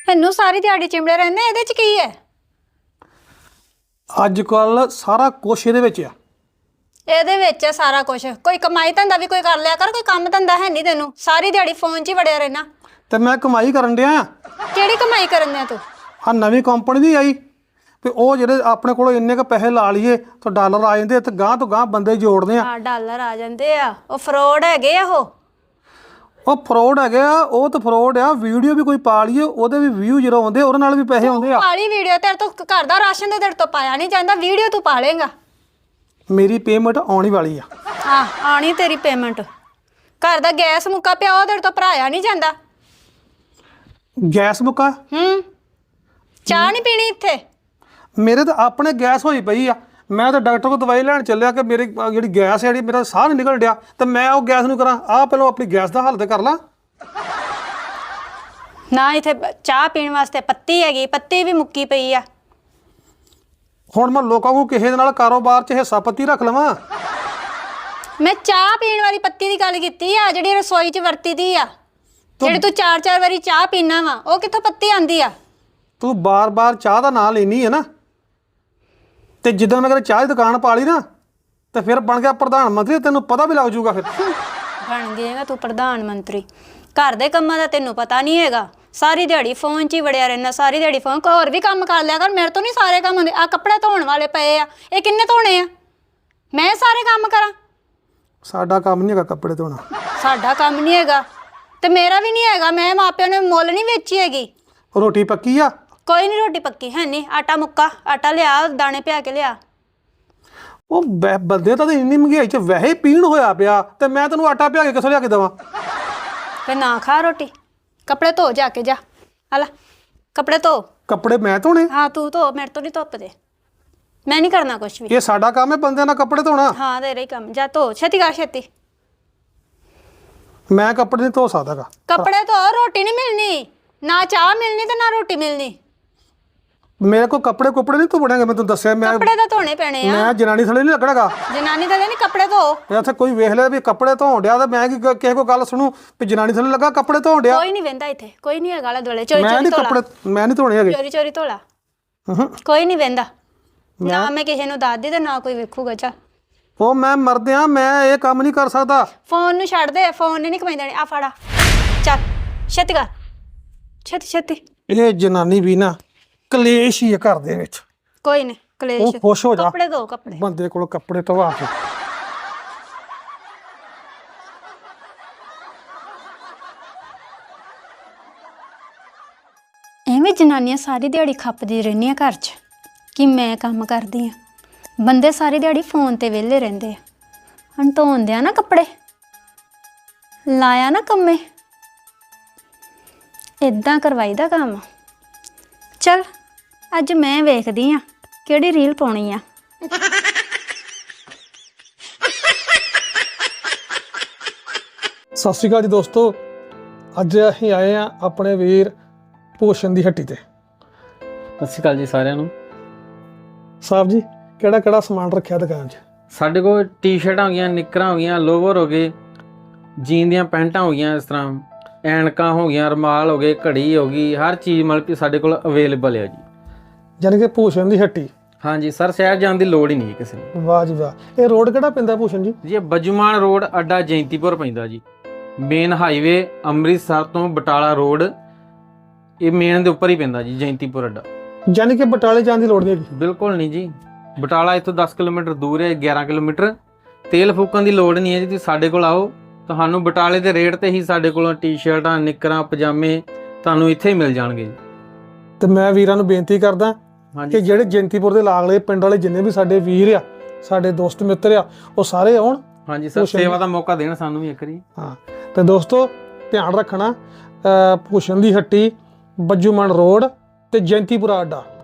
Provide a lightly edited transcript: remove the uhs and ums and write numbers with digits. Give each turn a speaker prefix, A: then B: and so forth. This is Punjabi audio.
A: ਇਹਨੂੰ ਸਾਰੀ ਦਿਹਾੜੀ ਚਿਮੜੇ ਰਹਿੰਦੇ, ਇਹਦੇ ਚ ਕੀ ਹੈ?
B: ਅੱਜ ਕੱਲ ਸਾਰਾ ਕੁਛ ਇਹਦੇ ਵਿੱਚ ਆ।
A: ਇਹਦੇ ਵਿੱਚ ਹੈ ਸਾਰਾ ਕੁਝ। ਕੋਈ ਕਮਾਈ ਧੰਦਾ ਵੀ ਕੋਈ ਕਰ ਲਿਆ ਕਰ, ਕੋਈ ਕੰਮ ਧੰਦਾ ਹੈ ਨਹੀਂ ਤੈਨੂੰ, ਸਾਰੀ ਦਿਹਾੜੀ ਫੋਨ 'ਚ ਹੀ ਵੜਿਆ ਰਹਿਣਾ।
B: ਤੇ ਮੈਂ ਕਮਾਈ ਕਰਨ ਡਿਆ।
A: ਕਿਹੜੀ ਕਮਾਈ ਕਰਨ ਦਿਆ ਤੂੰ?
B: ਆ ਨਵੀਂ ਕੰਪਨੀ ਦੀ ਆਈ ਤੇ ਉਹ ਜਿਹੜੇ ਆਪਣੇ ਕੋਲ ਇੰਨੇ ਕ ਪੈਸੇ ਲਾ ਲਈਏ ਤਾਂ ਡਾਲਰ ਆ ਜਾਂਦੇ ਤੇ ਗਾਂ ਤੋਂ ਗਾਂ ਬੰਦੇ ਜੋੜਦੇ ਆ।
A: ਹਾਂ, ਡਾਲਰ ਆ ਜਾਂਦੇ ਆ। ਉਹ ਫਰੋਡ ਹੈਗੇ ਆ।
B: ਉਹ ਫਰੋਡ ਹੈਗੇ ਆ। ਉਹ ਤਾਂ ਫਰੋਡ ਆ। ਵੀਡੀਓ ਵੀ ਕੋਈ ਪਾ ਲਈਏ ਉਹਦੇ ਵੀ ਵਿਊ ਜ਼ੀਰੋ ਆਉਂਦੇ, ਉਹਦੇ ਨਾਲ ਵੀ ਪੈਸੇ ਆਉਂਦੇ ਆ।
A: ਪਾਲੀ ਵੀਡੀਓ ਤੇਰੇ ਤੋਂ ਘਰ ਦਾ ਰਾਸ਼ਨ ਤੇ ਤੇਰੇ ਤੋਂ ਪਾਇਆ ਨਹੀਂ ਜਾਂਦਾ, ਵੀਡੀਓ ਤੂੰ ਪਾ ਲੇਗਾ।
B: ਮੇਰੀ ਪੇਮੈਂਟ ਆਉਣੀ ਵਾਲੀ ਆ।
A: ਹਾਂ, ਆਣੀ ਤੇਰੀ ਪੇਮੈਂਟ। ਘਰ ਦਾ ਗੈਸ ਮੁੱਕਾ ਪਿਆ, ਉਹ ਤੇਰੇ ਤੋਂ ਭਰਾਇਆ ਨਹੀਂ ਜਾਂਦਾ।
B: ਗੈਸ ਮੁੱਕਾ?
A: ਚਾਹ ਨਹੀਂ ਪੀਣੀ ਇੱਥੇ?
B: ਮੇਰੇ ਤਾਂ ਆਪਣੇ ਗੈਸ ਹੋਈ ਪਈ ਆ। ਮੈਂ ਤਾਂ ਡਾਕਟਰ ਕੋਲ ਦਵਾਈ ਲੈਣ ਚੱਲਿਆ ਕਿ ਮੇਰੀ ਜਿਹੜੀ ਗੈਸ ਹੈ, ਮੇਰਾ ਸਾਹ ਨਹੀਂ ਨਿਕਲ ਡਿਆ, ਤੇ ਮੈਂ ਉਹ ਗੈਸ ਨੂੰ ਕਰਾਂ। ਆਹ ਪਹਿਲਾਂ ਆਪਣੀ ਗੈਸ ਦਾ ਹੱਲ ਤੇ ਕਰ ਲਾਂ
A: ਨਾ। ਇੱਥੇ ਚਾਹ ਪੀਣ ਵਾਸਤੇ ਪੱਤੀ ਹੈਗੀ, ਪੱਤੀ ਵੀ ਮੁੱਕੀ ਪਈ ਆ।
B: ਹੁਣ ਮੈਂ ਲੋਕਾਂ ਨੂੰ ਕਿਸੇ ਦੇ ਨਾਲ ਕਾਰੋਬਾਰ 'ਚ ਹਿੱਸਾ ਪੱਤੀ ਰੱਖ ਲਵਾਂ?
A: ਮੈਂ ਚਾਹ ਪੀਣ ਵਾਲੀ ਪੱਤੀ ਦੀ ਗੱਲ ਕੀਤੀ ਆ, ਜਿਹੜੀ ਰਸੋਈ 'ਚ ਵਰਤੀ ਦੀ ਆ। ਜਿਹੜੀ ਤੂੰ 4-4 ਵਾਰੀ ਚਾਹ ਪੀਣਾ ਵਾ, ਉਹ ਕਿੱਥੋਂ ਪੱਤੀ ਆਂਦੀ ਆ?
B: ਤੂੰ ਬਾਰ-ਬਾਰ ਚਾਹ ਦਾ ਨਾਂ ਲੈਣੀ ਹੈ ਨਾ, ਤੇ ਜਿੱਦਾਂ ਮੈਂ ਕਦੇ ਚਾਹ ਦੀ ਦੁਕਾਨ ਪਾ ਲਈ ਨਾ ਤੇ ਫਿਰ ਬਣ ਗਿਆ ਪ੍ਰਧਾਨ ਮੰਤਰੀ। ਤੈਨੂੰ ਪਤਾ ਵੀ ਲੱਗ ਜਾਊਗਾ। ਫਿਰ
A: ਬਣ ਜਾਏਗਾ ਤੂੰ ਪ੍ਰਧਾਨ ਮੰਤਰੀ। ਘਰ ਦੇ ਕੰਮਾਂ ਦਾ ਤੈਨੂੰ ਪਤਾ ਨਹੀਂ ਹੈਗਾ। ਸਾਰੀ ਦਿਹਾੜੀ ਫੋਨ 'ਚ ਹੀ ਵੜਿਆ ਰਹਿਣਾ, ਸਾਰੀ ਦਿਹਾੜੀ ਫੋਨ। ਹੋਰ ਵੀ ਕੰਮ ਕਰ ਲਿਆ ਕਰ, ਮੇਰੇ ਤੋਂ ਨਹੀਂ ਸਾਰੇ ਕੰਮ ਹੁੰਦੇ। ਆ ਕੱਪੜੇ ਧੋਣ ਵਾਲੇ ਪਏ ਆ, ਇਹ ਕਿੰਨੇ ਧੋਣੇ ਆ? ਮੈਂ ਸਾਰੇ ਕੰਮ ਕਰਾਂ?
B: ਸਾਡਾ ਕੰਮ ਨਹੀਂ ਹੈਗਾ ਕੱਪੜੇ ਧੋਣਾ।
A: ਸਾਡਾ ਕੰਮ ਨਹੀਂ ਹੈਗਾ ਤੇ ਮੇਰਾ ਵੀ ਨਹੀਂ ਹੈਗਾ। ਮੈਂ ਮਾਪਿਆਂ ਨੇ ਮੁੱਲ ਨਹੀਂ ਵੇਚੀ ਹੈਗੀ।
B: ਰੋਟੀ ਪੱਕੀ ਆ?
A: ਕੋਈ ਨਹੀਂ ਰੋਟੀ ਪੱਕੀ ਹੈ ਨਹੀਂ। ਆਟਾ ਮੁੱਕਾ, ਆਟਾ ਲਿਆ, ਦਾਣੇ ਪਿਆ ਕੇ ਲਿਆ।
B: ਉਹ ਬੰਦੇ ਤਾਂ ਇੰਨੀ ਮਹਿੰਗਾਈ 'ਚ ਵੈਸੇ ਪੀਣ ਹੋਇਆ ਪਿਆ, ਤੇ ਮੈਂ ਤੈਨੂੰ ਆਟਾ ਪਿਆ ਕੇ ਕਿੱਥੋਂ ਲਿਆ ਕੇ ਦੇਵਾਂ?
A: ਫਿਰ ਨਾ ਖਾ ਰੋਟੀ। ਕੱਪੜੇ ਧੋ ਜਾ ਕੇ ਜਾ। ਹਲਾ ਕੱਪੜੇ ਧੋ।
B: ਕੱਪੜੇ ਮੈਂ ਧੋਣੇ?
A: ਹਾਂ ਤੂੰ ਧੋ, ਮੇਰੇ ਤੋਂ ਨਹੀਂ ਧੁੱਪਦੇ। ਮੈਂ ਨਹੀਂ ਕਰਨਾ ਕੁਛ ਵੀ।
B: ਇਹ ਸਾਡਾ ਕੰਮ ਹੈ ਬੰਦਿਆਂ ਨਾਲ ਕੱਪੜੇ ਧੋਣਾ।
A: ਹਾਂ ਤੇਰਾ ਹੀ ਕੰਮ। ਜਾ ਧੋ, ਛੇਤੀ ਕਰ ਛੇਤੀ।
B: ਮੈਂ ਕੱਪੜੇ ਨਹੀਂ ਧੋ ਸਕਦਾਗਾ।
A: ਕੱਪੜੇ ਧੋ, ਰੋਟੀ ਨਹੀਂ ਮਿਲਣੀ। ਨਾ ਚਾਹ ਮਿਲਣੀ ਤੇ ਨਾ ਰੋਟੀ ਮਿਲਣੀ।
B: ਮੇਰੇ ਕੋਲ ਕੱਪੜੇ ਨਹੀਂ ਧੋਣੇਗੇ। ਮੈਂ ਤੈਨੂੰ ਦੱਸਿਆ, ਮੈਂ
A: ਕੱਪੜੇ ਤਾਂ ਧੋਣੇ ਪੈਣੇ ਆ।
B: ਮੈਂ ਜਨਾਨੀ ਥਲੇ ਨਹੀਂ ਲੱਗਣਾਗਾ।
A: ਜਨਾਨੀ ਤਾਂ ਨਹੀਂ, ਕੱਪੜੇ ਧੋ।
B: ਇੱਥੇ ਕੋਈ ਵੇਖ ਲਿਆ ਵੀ ਕੱਪੜੇ ਧੋਣ ਡਿਆ ਤਾਂ ਮੈਂ ਕਿਸੇ ਕੋ ਗੱਲ ਸੁਣੂ ਵੀ ਜਨਾਨੀ ਥਲੇ ਲੱਗਾ ਕੱਪੜੇ ਧੋਣ ਡਿਆ।
A: ਕੋਈ ਨਹੀਂ ਵਹਿੰਦਾ ਇੱਥੇ, ਕੋਈ ਨਹੀਂ ਹੈਗਾ ਆਲੇ ਦੁਆਲੇ। ਚੋਰੀ
B: ਮੈਂ
A: ਚੋਰੀ
B: ਨਹੀਂ
A: ਧੋਲਾ।
B: ਕੱਪੜੇ ਮੈਂ ਨਹੀਂ ਧੋਣੇ ਹੈਗੇ।
A: ਚੋਰੀ ਚੋਰੀ ਧੋਲਾ। ਕੋਈ ਨਹੀਂ ਵਹਿੰਦਾ। ਨਾ ਮੈਂ ਕਿਸੇ ਨੂੰ ਦੱਸਦੀ ਤੇ ਨਾ ਕੋਈ ਵੇਖੂਗਾ। ਚਾ
B: ਉਹ ਮੈਂ ਮਰਦਿਆਂ, ਮੈਂ ਇਹ ਕੰਮ ਨਹੀਂ ਕਰ ਸਕਦਾ।
A: ਫੋਨ ਨੂੰ ਛੱਡ ਦੇ, ਫੋਨ ਨੇ ਨਹੀਂ ਕਮਾਈ ਦੇਣੀ। ਆ ਫੜਾ, ਚੱਲ ਛੇਤੀ ਕਰ, ਛੇਤੀ ਛੇਤੀ।
B: ਇਹ ਜਨਾਨੀ ਵੀ ਨਾ ਕਲੇਸ਼ ਹੀ ਹੈ ਘਰ ਦੇ ਵਿੱਚ।
A: ਕੋਈ ਨਹੀਂ ਕਲੇਸ਼।
B: ਉਹ ਖੁਸ਼ ਹੋ ਜਾ।
A: ਕੱਪੜੇ ਧੋ, ਕੱਪੜੇ।
B: ਬੰਦੇ ਕੋਲ ਕੱਪੜੇ ਧਵਾ ਕੇ।
A: ਐਵੇਂ ਜਨਾਨੀਆਂ ਸਾਰੀ ਦਿਹਾੜੀ ਖੱਪਦੀ ਰਹਿੰਦੀਆਂ ਘਰ 'ਚ ਕਿ ਮੈਂ ਕੰਮ ਕਰਦੀ ਆ। ਬੰਦੇ ਸਾਰੀ ਦਿਹਾੜੀ ਫੋਨ ਤੇ ਵਿਹਲੇ ਰਹਿੰਦੇ ਆ। ਹੁਣ ਧੋਂਦੇ ਆ ਨਾ ਕੱਪੜੇ, ਲਾਇਆ ਨਾ ਕੰਮੇ, ਇਦਾਂ ਕਰਵਾਈਦਾ ਕੰਮ। ਚਲ ਅੱਜ ਮੈਂ ਵੇਖਦੀ ਆ ਕਿਹੜੀ ਰੀਲ ਪਾਉਣੀ ਆ।
B: ਸਤਿ ਸ਼੍ਰੀ ਅਕਾਲ ਜੀ ਦੋਸਤੋ। ਅੱਜ ਅਸੀਂ ਆਏ ਆ ਆਪਣੇ ਵੀਰ ਭੂਸ਼ਣ ਦੀ ਹੱਟੀ ਤੇ।
C: ਸਤਿ ਸ਼੍ਰੀ ਅਕਾਲ ਜੀ ਸਾਰਿਆਂ ਨੂੰ।
B: ਸਾਹਿਬ ਜੀ, ਕਿਹੜਾ ਕਿਹੜਾ ਸਮਾਨ ਰੱਖਿਆ ਦੁਕਾਨ 'ਚ?
C: ਸਾਡੇ ਕੋਲ ਟੀ-ਸ਼ਰਟਾਂ ਹੋ ਗਈਆਂ, ਨਿੱਕਰਾਂ ਹੋ ਗਈਆਂ, ਲੋਵਰ ਹੋ ਗਏ, ਜੀਨ ਦੀਆਂ ਪੈਂਟਾਂ ਹੋ ਗਈਆਂ, ਇਸ ਤਰ੍ਹਾਂ ਐਨਕਾਂ ਹੋ ਗਈਆਂ, ਰੁਮਾਲ ਹੋ ਗਏ, ਘੜੀ ਹੋ ਗਈ, ਹਰ ਚੀਜ਼ ਮਤਲਬ ਕਿ ਸਾਡੇ ਕੋਲ ਅਵੇਲੇਬਲ ਹੈ ਜੀ।
B: ਯਾਨੀ ਕਿ ਭੂਸ਼ਣ ਦੀ ਹੱਟੀ।
C: ਹਾਂਜੀ ਸਰ, ਸ਼ਹਿਰ ਜਾਣ ਦੀ ਲੋੜ ਹੀ ਨਹੀਂ ਕਿਸੇ ਨੂੰ।
B: ਵਾਹ ਜੀ ਵਾਹ। ਇਹ ਰੋਡ ਕਿਹੜਾ ਪੈਂਦਾ ਭੂਸ਼ਣ ਜੀ?
C: ਜੀ ਇਹ ਬੱਜੂਮਾਨ ਰੋਡ, ਅੱਡਾ ਜੈਂਤੀਪੁਰ ਪੈਂਦਾ ਜੀ। ਮੇਨ ਹਾਈਵੇ ਅੰਮ੍ਰਿਤਸਰ ਤੋਂ ਬਟਾਲਾ ਰੋਡ, ਇਹ ਮੇਨ ਦੇ ਉੱਪਰ ਹੀ ਪੈਂਦਾ ਜੀ, ਜੈਂਤੀਪੁਰ ਅੱਡਾ।
B: ਯਾਨੀ ਕਿ ਬਟਾਲੇ ਜਾਣ ਦੀ ਲੋੜ ਨਹੀਂ ਹੈਗੀ?
C: ਬਿਲਕੁਲ ਨਹੀਂ ਜੀ। ਬਟਾਲਾ ਇੱਥੋਂ 10 ਕਿਲੋਮੀਟਰ ਦੂਰ ਹੈ, 11 ਕਿਲੋਮੀਟਰ। ਤੇਲ ਫੂਕਣ ਦੀ ਲੋੜ ਨਹੀਂ ਹੈ ਜੀ। ਤੁਸੀਂ ਸਾਡੇ ਕੋਲ ਆਓ, ਤੁਹਾਨੂੰ ਬਟਾਲੇ ਦੇ ਰੇਟ ਤੇ ਹੀ ਸਾਡੇ ਕੋਲੋਂ ਟੀ-ਸ਼ਰਟਾਂ, ਨਿੱਕਰਾਂ, ਪਜਾਮੇ ਤੁਹਾਨੂੰ ਇੱਥੇ ਹੀ ਮਿਲ ਜਾਣਗੇ ਜੀ।
B: ਤੇ ਮੈਂ ਵੀਰਾਂ ਨੂੰ ਬੇਨਤੀ ਕਰਦਾ ਕਿ ਜਿਹੜੇ ਜੈਂਤੀਪੁਰ ਦੇ ਲਾਗਲੇ ਪਿੰਡ ਵਾਲੇ ਜਿੰਨੇ ਵੀ ਸਾਡੇ ਵੀਰ ਆ, ਸਾਡੇ ਦੋਸਤ ਮਿੱਤਰ ਆ, ਉਹ ਸਾਰੇ ਆਉਣ।
C: ਹਾਂਜੀ ਸਰ, ਸੇਵਾ ਦਾ ਮੌਕਾ ਦੇਣ ਸਾਨੂੰ ਵੀ ਇੱਕ ਵਾਰੀ।
B: ਹਾਂ ਤੇ ਦੋਸਤੋ ਧਿਆਨ ਰੱਖਣਾ, ਭੂਸ਼ਣ ਦੀ ਹੱਟੀ, ਬੱਜੂਮਾਨ ਰੋਡ ਤੇ ਜੈਂਤੀਪੁਰਾ ਅੱਡਾ।